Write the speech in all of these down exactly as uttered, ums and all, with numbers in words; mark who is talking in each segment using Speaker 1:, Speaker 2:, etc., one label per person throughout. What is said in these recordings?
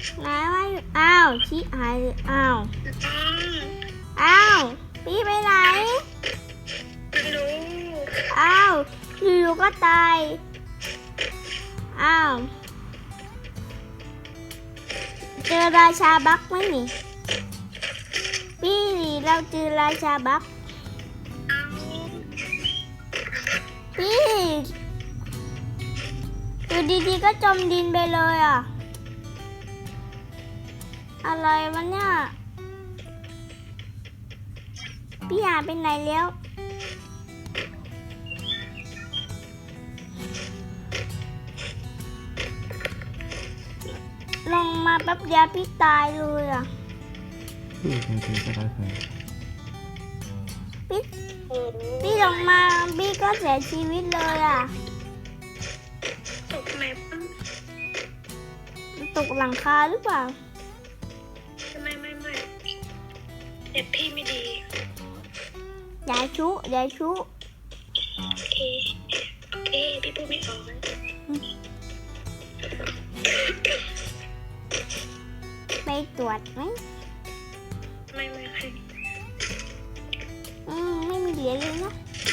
Speaker 1: ไหนว่าอยู่อ้าวชี้หายเลยอ้าวอ้าวพี่ไปไหน
Speaker 2: ไม่รู้
Speaker 1: อ้าวอยู่ๆก็ตายอ้าวเจอราชาบักไหมนี่พี่เราเจอราชาบัก
Speaker 2: เอา
Speaker 1: พี่อยู่ดีๆก็จมดินไปเลยอ่ะอะไรวะเนี่ยพี่หายไปไหนแล้วลงมาแป๊บเดียวพี่ตายเลยอ่ะ
Speaker 3: พี่เคยเคยก็ได้เคย
Speaker 1: พี่
Speaker 2: โอ้โห
Speaker 1: พี่ลงมาพี่ก็เสียชีวิตเลยอ่ะ
Speaker 2: ตกแมป
Speaker 1: ตกหลังคาหรือเปล่า
Speaker 2: ไม่ไม่ไม่เด็บพี่ไม่ดี
Speaker 1: อย่าชุอย่าชุ
Speaker 2: โอเคโอเคพี่พูดไม่ออกนะ
Speaker 1: ไปตรวจไหม
Speaker 2: ไม่ไม่ใคร
Speaker 1: อืมไม่มีเหลือเลยนะ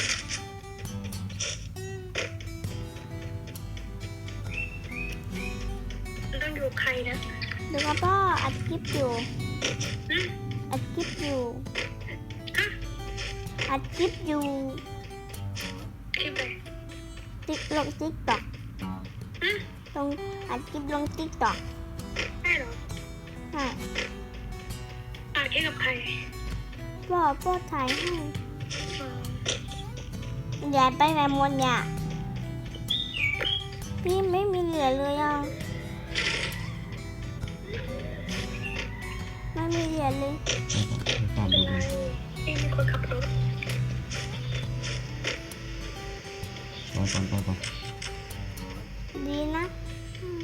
Speaker 2: ต้องอยู่ใครนะ
Speaker 1: ดูกับพ่ออัดคลิปอยู่
Speaker 2: ฮะ
Speaker 1: อัดคลิปอยู่
Speaker 2: ฮะ
Speaker 1: อัดคลิปอยู่
Speaker 2: คลิปอะไร
Speaker 1: ติ๊กลงติ๊กต็อก
Speaker 2: ฮะ
Speaker 1: ลงอัดคลิปลงติ๊กต็อก
Speaker 2: ได้เหรอ
Speaker 1: ใช่
Speaker 2: อ่านคลิปกับใคร
Speaker 1: พ่อพ่อถ่ายให้
Speaker 2: อ๋อ
Speaker 1: อย่าไปไหนหมดเนี่ยพี่ไม่มีเหลือเลยอ่ะไม่มีเหลือเลย
Speaker 3: ไปตาม
Speaker 2: เป็
Speaker 3: ดู
Speaker 2: นไรพี่มีคนขับรถ
Speaker 3: รอก่อนรอก่อน
Speaker 1: ดีนะอืม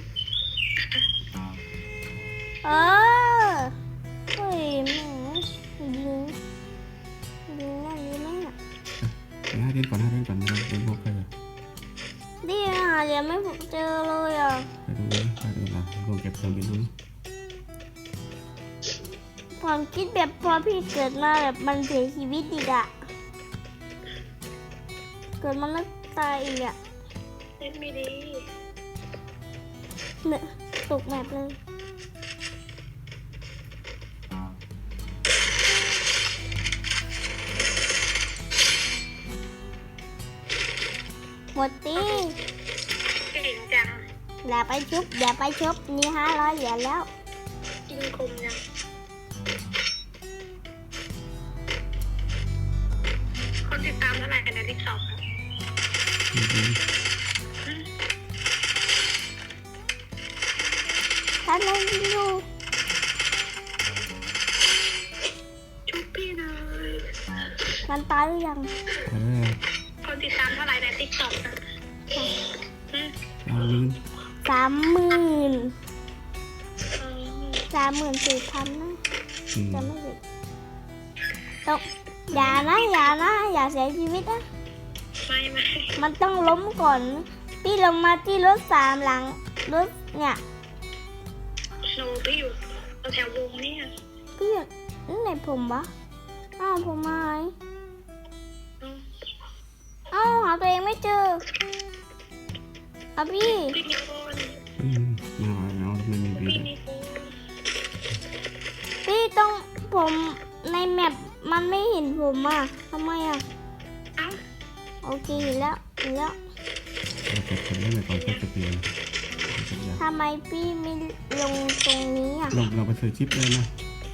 Speaker 1: เออเฮ้ยแหมยิงยิงนั่นนี่นั่นอ่ะ
Speaker 3: ไปห้าเดือนก่อนห้าเดือนก่อนเราดูพวกใครอะ
Speaker 1: ดีอ่ะเดี๋ยวไม่เจอเลยอ่ะ
Speaker 3: ไปดูดิห้าเดือนละลงเก็บเครื่องบินดู
Speaker 1: ความคิดแบบพอพี่เกิดมาแบบมันเสียชีวิตอีกอ่ะเกิดมาแล้วตายอีกอ่ะ
Speaker 2: เล่นไม่ดี
Speaker 1: เนี่ยตกแบบเลยหมดตี
Speaker 2: เก่งจัง
Speaker 1: อย่าไปชุบอย่าไปชุบนี่ห้าร้อยเหรียญแล้ว
Speaker 2: กินคมจังคนติดตามเท่าไหร่กันนะติ๊กต็อก
Speaker 3: อืมอืม
Speaker 1: ถ้าไม่ดู
Speaker 2: ชุบพี่หน่อย
Speaker 1: มันตายหรือยัง
Speaker 3: ไปเลย
Speaker 2: คนติดตามเท่าไหร่ในติ๊กต็อกนะอืม
Speaker 3: เอาลืม
Speaker 1: สามหมื่น
Speaker 2: อืม
Speaker 1: สามหมื่นสี่พันนะ
Speaker 3: อืม
Speaker 1: จะไม่ผิดต้องอย่านะอย่านะอย่าเสียชีวิตนะ
Speaker 2: ไม่ไม่
Speaker 1: มันต้องล้มก่อน พี่ลงมาที่รถสามหลังรถเนี่ย
Speaker 2: โนพี่อยู่แถววงเนี่ย
Speaker 1: พี่อยู่นี่ไหนผมวะอ้าวผมหาย
Speaker 2: อืม
Speaker 1: อ้าวหาตัวเองไม่เจออ่ะพี่
Speaker 2: พี่มีคน
Speaker 3: อืมเอาเอาไม่มีบี
Speaker 2: พี่
Speaker 3: เลย
Speaker 2: มีคน
Speaker 1: พี่ต้องผมในแมปมันไม่เห็นผมอ่ะทำไมอ่ะ
Speaker 2: เอ้า
Speaker 1: โอเคเห็นแล้วเห็นแล้ว
Speaker 3: เราเก็บคนได้เลยก่อนก็จะเปลี่ยน
Speaker 1: ทำไมพี่ไม่ลงตรงนี้อ่ะ
Speaker 3: เราเราไปซื้อชิปเลยนะ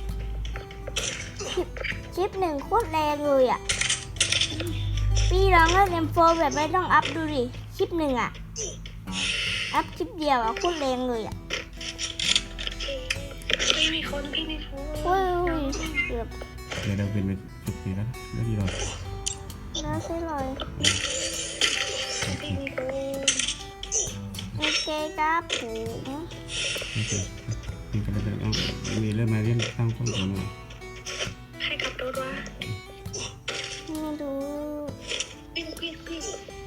Speaker 1: ชิปหนึ่งโคตรแรงเลยอ่ะพี่ลองเล่นเอ็มโฟแบบไม่ต้องอัพดูดิชิปหนึ่งอ่ะอัพชิปเดียวอ่ะโคตรแรงเลยอ่ะ
Speaker 2: พี่มีคนพี่มีคน
Speaker 1: โอ้ยเกือบ
Speaker 3: เดี๋ยวเราเป็นไปสิบปีแล้วแล้วดีเรา
Speaker 1: น่าใช่เลย
Speaker 3: โอเค
Speaker 2: พี่มีคน
Speaker 1: โอเคครับผม
Speaker 3: โอเคมีกันเลยเอามีเริ่มมาเรียนตั้งข้อมูลมา
Speaker 2: ใครขับรถวะ
Speaker 1: ไม่รู้
Speaker 2: พี่พี่พี่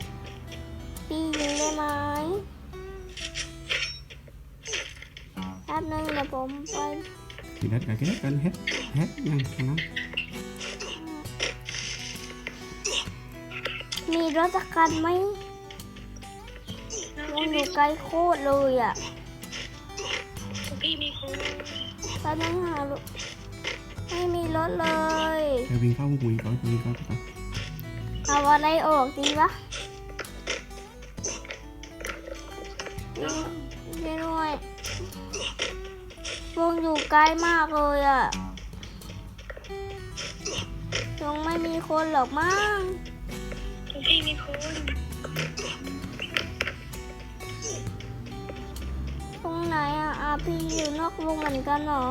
Speaker 1: พี่ยิงได้ไหมถ้าป๊บนึงเดี๋ยวผมไป
Speaker 3: กินเฮ็ดกันกินเฮ็ดกันเฮ็ดเฮ็ดยังทางนั้น
Speaker 1: มีรถจักรยานไหม
Speaker 2: น้อง
Speaker 1: วง
Speaker 2: พี่
Speaker 1: อ
Speaker 2: มี
Speaker 1: ยู่ไกลโคตรเลยอ่ะ
Speaker 2: ของพี่มีโค้ด
Speaker 1: แป๊บนึงหาลูกไม่มีรถเลย
Speaker 3: ไปวิ่งเข้าหุยก่อนวิ่งเข้าไป
Speaker 1: เอาอะไรออกดีวะช่วยด้วยวงอยู่ไกลมากเลยอ่ะคงไม่มีคนหรอกมั้ง
Speaker 2: ของพี่มีโค้ด
Speaker 1: ตรงไหนอ่ะอาพี่อยู่นอกวงเหมือนกันเหรอ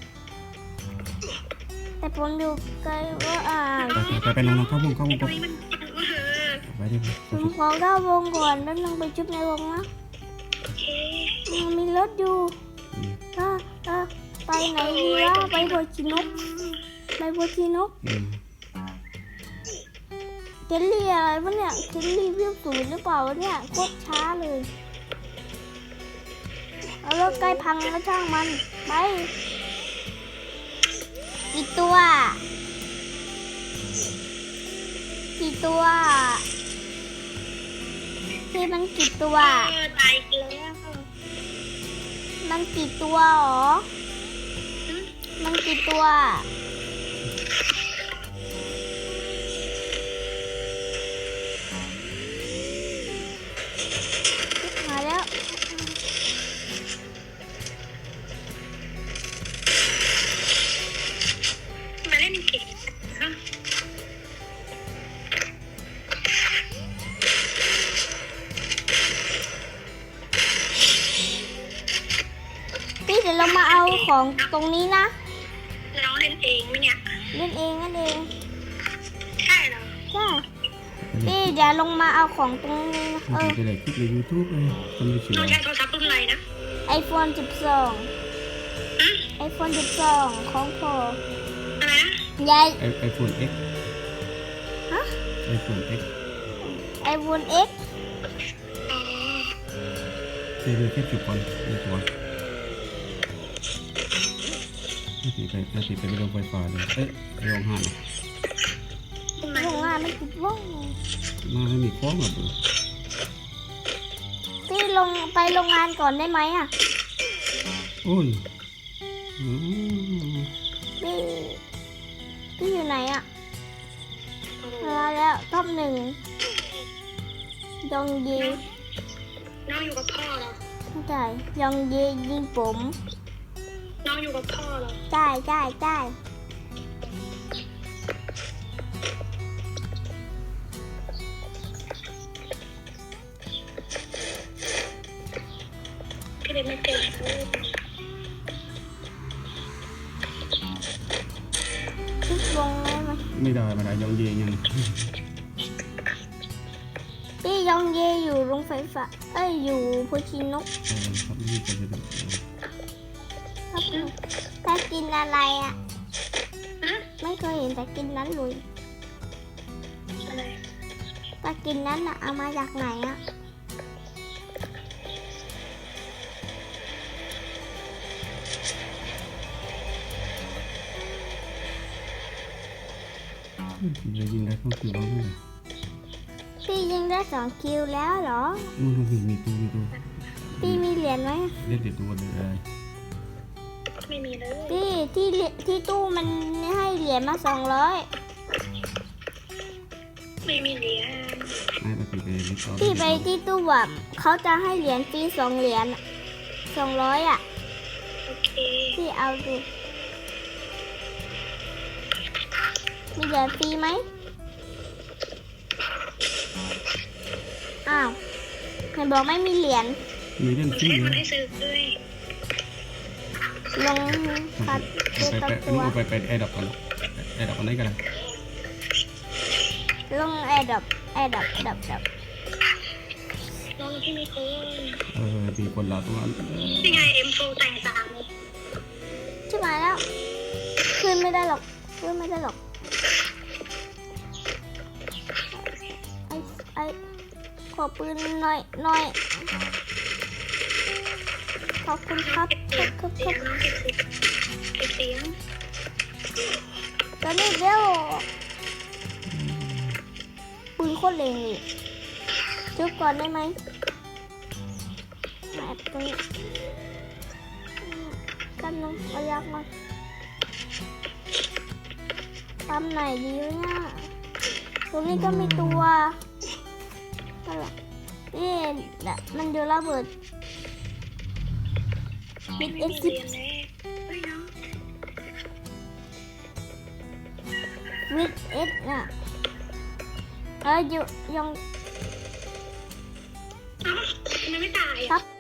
Speaker 1: แต่ผมอยู่ไกลว่าอ่า
Speaker 3: ไปไปลงเข้าวงเข้าวง
Speaker 2: ไอ้
Speaker 3: ก่
Speaker 2: ตั
Speaker 3: อ
Speaker 2: วน นี้มันเออ
Speaker 3: ไปดิ
Speaker 1: ผมขอเข้าวงก่อนแล้วลงไปชุบในวงนะ
Speaker 2: โอเค
Speaker 1: ยังมีรถอยู่ก็ก็ไปไหนดีวะไปโบชินกไปโบชินก
Speaker 3: อืม
Speaker 1: เคลลี่อะไรวะเนี่ยเคลลี่วิวศูนย์หรือเปล่าวะเนี่ยโคตรช้าเลยเอารถใกล้พังแล้วช่างมันไปกี่ตัวกี่ตัวที่มันกี่ตัว
Speaker 2: เออตายอีกแล้ว
Speaker 1: มันกี่ตัวหรอ มันกี่ตัวมาแล้ว
Speaker 2: มาเล่นเกมฮะ
Speaker 1: พี่เดี๋ยวเรามาเอาของตรงนี้นะ
Speaker 2: น้องเล่นเองไหมเนี่ย
Speaker 1: เล่นเองนั่นเอง
Speaker 2: ใช่เหรอ
Speaker 1: ใช่พี่เดี๋ยวลงมาเอาของตรงนี้นะเออ
Speaker 3: จะได้คลิปในยูทูบเลยทำไม่เชื่
Speaker 2: น้
Speaker 3: อ
Speaker 2: องใช้โทรศัพท์รุ่นอะไรนะ
Speaker 1: ไอโฟนสิบสองไอโฟนสิบสองของพอ
Speaker 2: อะไรนะ
Speaker 1: ยาย
Speaker 3: ไอไอโฟน X
Speaker 1: ฮะ
Speaker 3: ไอโฟน X
Speaker 1: ไอโฟนเอ็ก
Speaker 2: อ๋อ
Speaker 3: เดี๋ยวแค่จุดก่อนในตัวไม่ติดไปไม่ติดไปไม่ลงไฟฟ้าเลยเอ๊ะลองหัน
Speaker 2: ทำไม
Speaker 1: โรงงานไม่ติดว่อง
Speaker 3: มาไม่มีคล้องหรอก
Speaker 1: พี่ลงไปโรงงานก่อนได้ไหมอ่ะ
Speaker 3: โอ้ยอืม
Speaker 1: พี่พี่อยู่ไหนอ่ะมาแล้วท็อปหนึ่งยองยี
Speaker 2: น้องอยู่กับพ่อเหรอ
Speaker 1: ไม่ใช่ยองยียิงผม
Speaker 2: น้องอยู่กับพ่อเหรอ
Speaker 1: ใช่ใช่ใช่
Speaker 2: พี่เล่นไม่เป็นเลย
Speaker 1: พี่ลงได้ไหม
Speaker 3: ไม่ได้ไม่ได้ยองเยยัง
Speaker 1: พี่ยองยีอยู่โรงไฟฟ้าเอ้ยอยู่โพชินก
Speaker 3: เออครับนี่จะไปดู
Speaker 1: ครับแต่กินอะไรอ่ะ
Speaker 2: ฮะ
Speaker 1: ไม่เคยเห็นแต่กินนั้นเลย
Speaker 2: อะไร
Speaker 1: แต่กินนั้นอ่ะเอามาจากไหนอ่ะ
Speaker 3: จะยิงได้เข้าคิวบ้างไหม
Speaker 1: พี่ยิงได้สองคิวแล้วเหรอ
Speaker 3: มันมีมีตัวมีตัว
Speaker 1: พี่มีเหรียญไหม
Speaker 3: เล่นเด็ดตัวเลยอะไร
Speaker 2: ไม่มีเลย
Speaker 1: พี่ที่เหรียญที่ตู้มันให้เหรียญมาสองร้อย
Speaker 2: ไม่มีเหรียญ
Speaker 3: ไม่ไปไปเล่นต่อ
Speaker 1: พี่ไปที่ตู้แบบเขาจะให้เหรียญฟรีสองเหรียญสองร้อยอ่ะ
Speaker 2: โอเค
Speaker 1: พี่เอาดูมีเหรียญฟรีไหมอ้าวไหนบอกไม่มีเหรียญ
Speaker 3: มีเล่น
Speaker 2: มัน
Speaker 3: ฟรี
Speaker 2: ให้
Speaker 3: เล
Speaker 2: มัน
Speaker 3: ย
Speaker 2: ให้ซื้อด้วย
Speaker 1: ลงตัดตัว
Speaker 3: ไป
Speaker 1: ตั
Speaker 3: ไป
Speaker 1: ดตัว
Speaker 3: ไปไปไอ้ดับก่อนไอ้ดับก่อนได้กัน
Speaker 1: ลงแอร์ดับแอร์ดับดับดับ
Speaker 2: น้องพี่มีโค้ด
Speaker 3: เออมีคนละตัว
Speaker 2: นี่ไง เอ็มโฟแต่งตาม
Speaker 1: ใช่ไหมแล้วขึ้นไม่ได้หรอกขึ้นไม่ได้หรอกไอไอขอปืนหน่อยหน่อยขออบคุณครับ
Speaker 2: เก็บ
Speaker 1: ค
Speaker 2: เสี
Speaker 1: รั
Speaker 2: ย
Speaker 1: บ
Speaker 2: ง
Speaker 1: ครับค
Speaker 2: เสีย
Speaker 1: รั
Speaker 2: ง
Speaker 1: บ
Speaker 2: น้องเก็บเสียงเก็บเสียง
Speaker 1: ตอนนี้เดี๋ยวปืนโคตรแรงเลยจุบก่อนได้ไหมมาแอบตรงนี้กันนึงเอายักมาทำไหนดีวะเนี่ยตรงนี้ก็มีตัวอะไรนี่แหละมันเดือระเบิดมิด
Speaker 2: ไม่
Speaker 1: เอ็ก
Speaker 2: มี
Speaker 1: ซิ
Speaker 2: เรียนเลยเฮ้ยน้อง
Speaker 1: มิดเอ็กอ่ะเอออยู่ยัง
Speaker 2: เอ้าทำไมไม่ตาย
Speaker 1: ครั
Speaker 2: อ่ะ
Speaker 1: บ